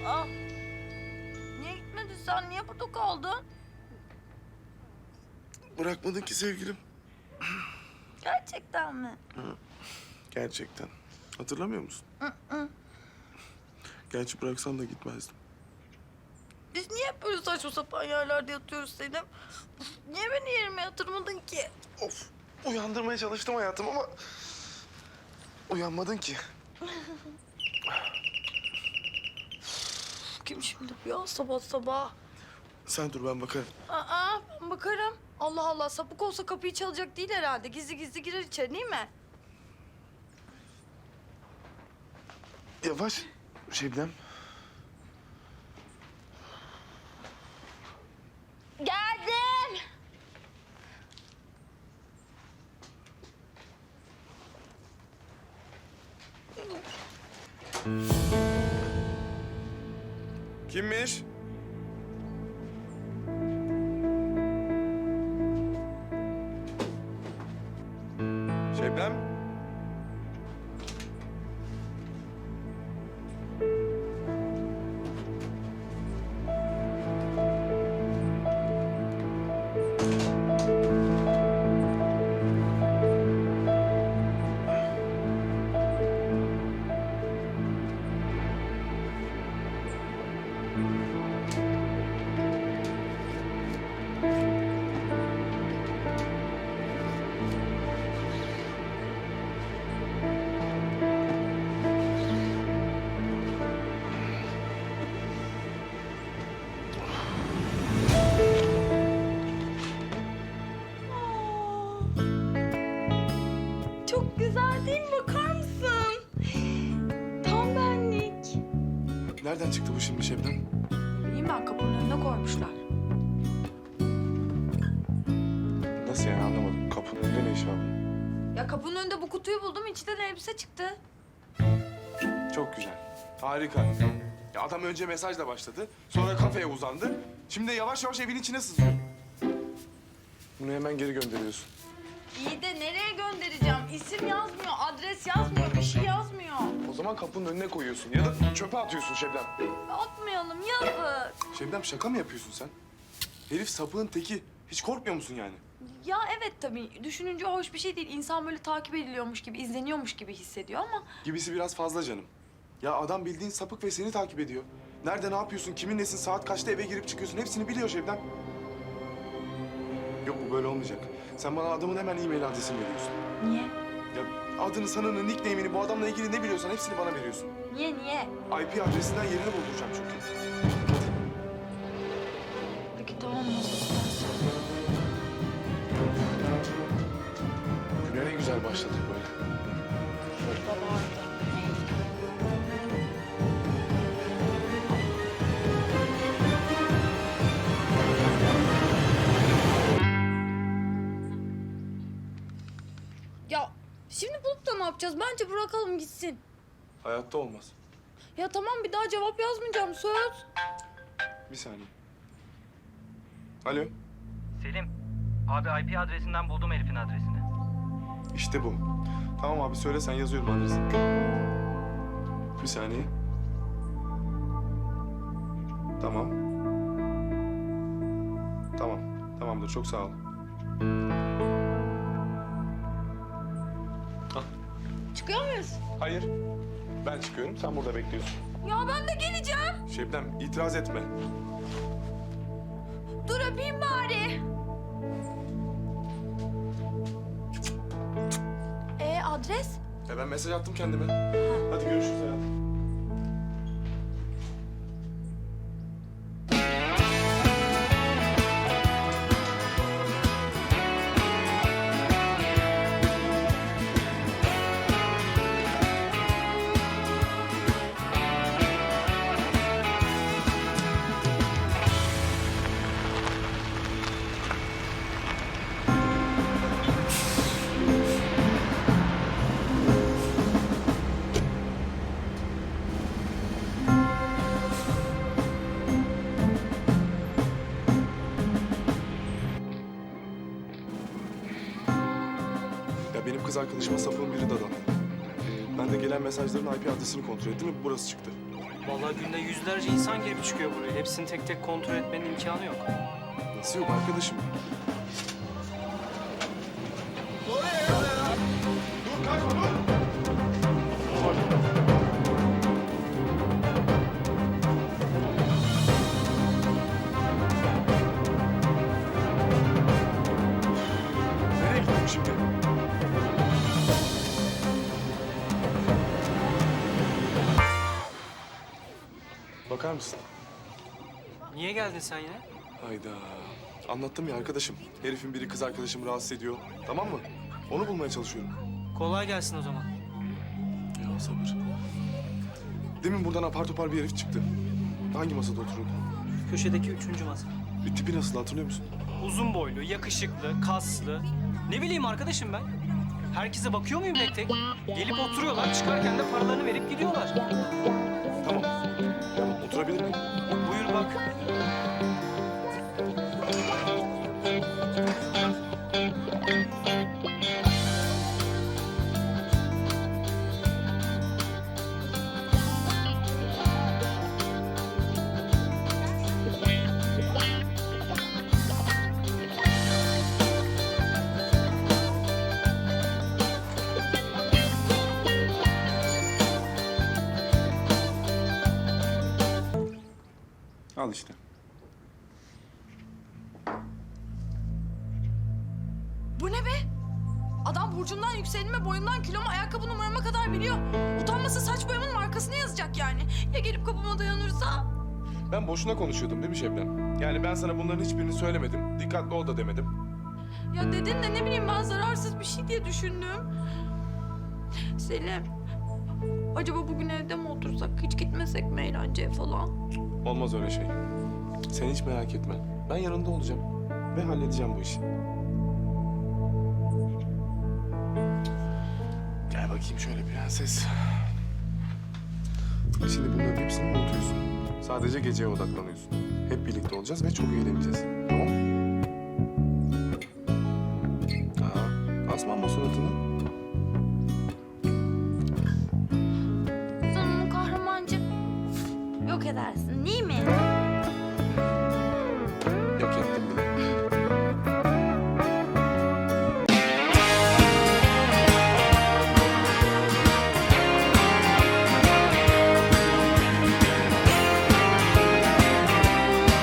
Aa, niye gitmedin sen? Niye burada kaldın? Bırakmadın ki sevgilim. Gerçekten mi? Gerçekten. Hatırlamıyor musun? Gerçi bıraksan da gitmezdim. Biz niye hep böyle saçma sapan yerlerde yatıyoruz Selim? Niye beni yerime yatırmadın ki? Of. Uyandırmaya çalıştım hayatım ama... uyanmadın ki. Kim şimdi bu ya sabah sabah? Sen dur ben bakarım. Aa, ben bakarım. Allah Allah, sapık olsa kapıyı çalacak değil herhalde. Gizli gizli girer içeri, değil mi? Yavaş Şebnem. Geldim. Kimmiş? Şebnem? Çok güzel değil mi? Bakar mısın? Tam benlik. Nereden çıktı bu şimdi Şebnem? İyiyim ben, kapının önüne koymuşlar. Nasıl yani anlamadım. Kapının önünde ne iş var? Ya kapının önünde bu kutuyu buldum, içinden elbise çıktı. Çok güzel. Harika. Ya adam önce mesajla başladı. Sonra kafeye uzandı. Şimdi de yavaş yavaş evin içine sızıyor. Bunu hemen geri gönderiyorsun. İyi de nereye göndereceğim? İsim yazmıyor, adres yazmıyor, bir şey yazmıyor. O zaman kapının önüne koyuyorsun ya da çöpe atıyorsun Şebnem. Atmayalım, yazık. Şebnem şaka mı yapıyorsun sen? Herif sapığın teki. Hiç korkmuyor musun yani? Ya evet tabii, düşününce hoş bir şey değil. İnsan böyle takip ediliyormuş gibi, izleniyormuş gibi hissediyor ama... Gibisi biraz fazla canım. Ya adam bildiğin sapık ve seni takip ediyor. Nerede ne yapıyorsun, kimin nesin, saat kaçta eve girip çıkıyorsun hepsini biliyor Şebnem. Yok bu böyle olmayacak. Sen bana adamın hemen e-mail adresini veriyorsun. Niye? Ya adını, sanını, nickname'ini, bu adamla ilgili ne biliyorsan hepsini bana veriyorsun. Niye? IP adresinden yerini bulduracağım çünkü. Peki tamam, nasıl istersen. Güne ne güzel başladık böyle. Şurada vardı. Ya şimdi bulup da ne yapacağız? Bence bırakalım gitsin. Hayatta olmaz. Ya tamam, bir daha cevap yazmayacağım, söz. Bir saniye. Alo. Selim, abi IP adresinden buldum Elif'in adresini. İşte bu. Tamam abi söyle sen, yazıyorum adresini. Bir saniye. Tamam. Tamam. Tamamdır. Çok sağ ol. Çıkıyor muyuz? Hayır. Ben çıkıyorum. Sen burada bekliyorsun. Ya ben de geleceğim. Şebnem itiraz etme. Dur öpeyim bari. Adres? Ya ben mesaj attım kendime. Hadi görüşürüz hayatım. Ya benim kız arkadaşıma sapığın biri dadandı. Ben de gelen mesajların IP adresini kontrol ettim ve burası çıktı. Vallahi günde yüzlerce insan girip çıkıyor buraya. Hepsini tek tek kontrol etmenin imkanı yok. Nasıl yok arkadaşım? Dur kaçma dur! Nereye gittim şimdi? Bakar mısın? Niye geldin sen yine? Hayda. Anlattım ya arkadaşım. Herifin biri kız arkadaşımı rahatsız ediyor. Tamam mı? Onu bulmaya çalışıyorum. Kolay gelsin o zaman. Ya sabır. Demin buradan apar topar bir herif çıktı. Hangi masada oturuyordu? Köşedeki 3. masa. Bir tipi nasıl hatırlıyor musun? Uzun boylu, yakışıklı, kaslı. Ne bileyim arkadaşım ben. Herkese bakıyor muyum tek tek? Gelip oturuyorlar, çıkarken de paralarını verip gidiyorlar. Tamam. Tamam, oturabilir miyim? Buyur bak. Al işte. Bu ne be? Adam burcumdan, yükselenime, boyumdan, kiloma, ayakkabı numarama kadar biliyor. Utanmasa saç boyamın markasını yazacak yani. Ya gelip kapıma dayanırsa? Ben boşuna konuşuyordum değil mi Şebnem? Yani ben sana bunların hiçbirini söylemedim. Dikkatli ol da demedim. Ya dedin de ne bileyim ben zararsız bir şey diye düşündüm. Selim, acaba bugün evde mi otursak, hiç gitmesek mi eğlenceye falan? Olmaz öyle şey. Sen hiç merak etme. Ben yanında olacağım. Ve halledeceğim bu işi. Gel bakayım şöyle prenses. Şimdi bunların hepsini unutuyorsun. Sadece geceye odaklanıyorsun. Hep birlikte olacağız ve çok eğleneceğiz. Tamam mı? Asma suratını. Sen onu kahramancı yok edersin değil mi?